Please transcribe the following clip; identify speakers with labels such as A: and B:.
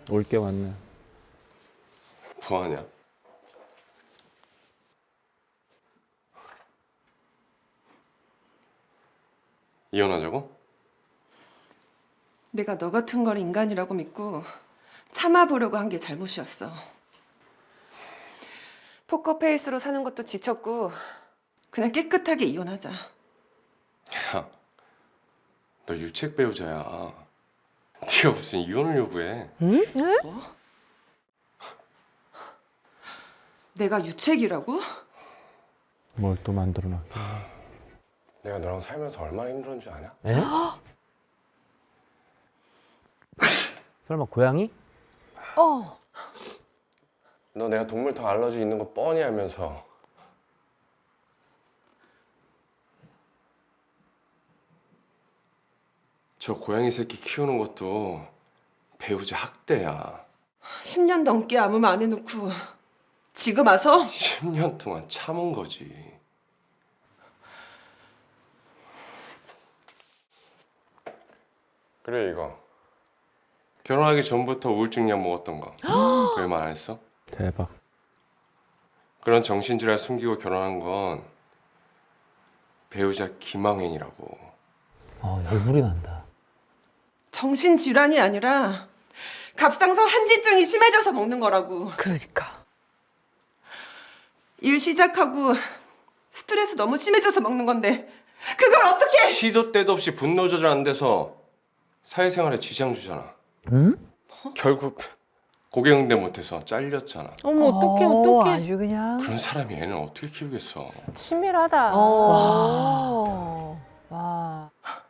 A: 올 게 왔네.
B: 뭐하냐? 이혼하자고?
C: 내가 너 같은 걸 인간이라고 믿고 참아보려고 한 게 잘못이었어. 포커페이스로 사는 것도 지쳤고 그냥 깨끗하게 이혼하자.
B: 야, 너 유책 배우자야. 네가 무슨 이혼을 요구해?
C: 내가 유책이라고?
A: 뭘 또 만들어놨길래.
B: 내가 너랑 살면서 얼마나 힘들었는지 아냐?
D: 에? 설마 고양이?
B: 너 내가 동물터 알러지 있는 거 뻔히 알면서 저 고양이 새끼 키우는 것도 배우자 학대야.
C: 10년 넘게 아무 말 안 해놓고 지금 와서
B: 10년 동안 참은 거지. 그래 이거 결혼하기 전부터 우울증 약 먹었던 거 왜 말 안 했어?
A: 대박.
B: 그런 정신질환 숨기고 결혼한 건 배우자 기망행위라고.
D: 열불이 난다.
C: 정신질환이 아니라 갑상선 한지증이 심해져서 먹는 거라고.
E: 그러니까.
C: 일 시작하고 스트레스 너무 심해져서 먹는 건데 그걸 어떻게?
B: 시도 때도 없이 분노 조절 안 돼서 사회생활에 지장 주잖아.
D: 응?
B: 결국 고객 응대 못해서 잘렸잖아.
F: 어머 어떡해 어떡해.
E: 아주 그냥.
B: 그런 사람이 애는 어떻게 키우겠어?
F: 치밀하다.
E: 와.
F: 와.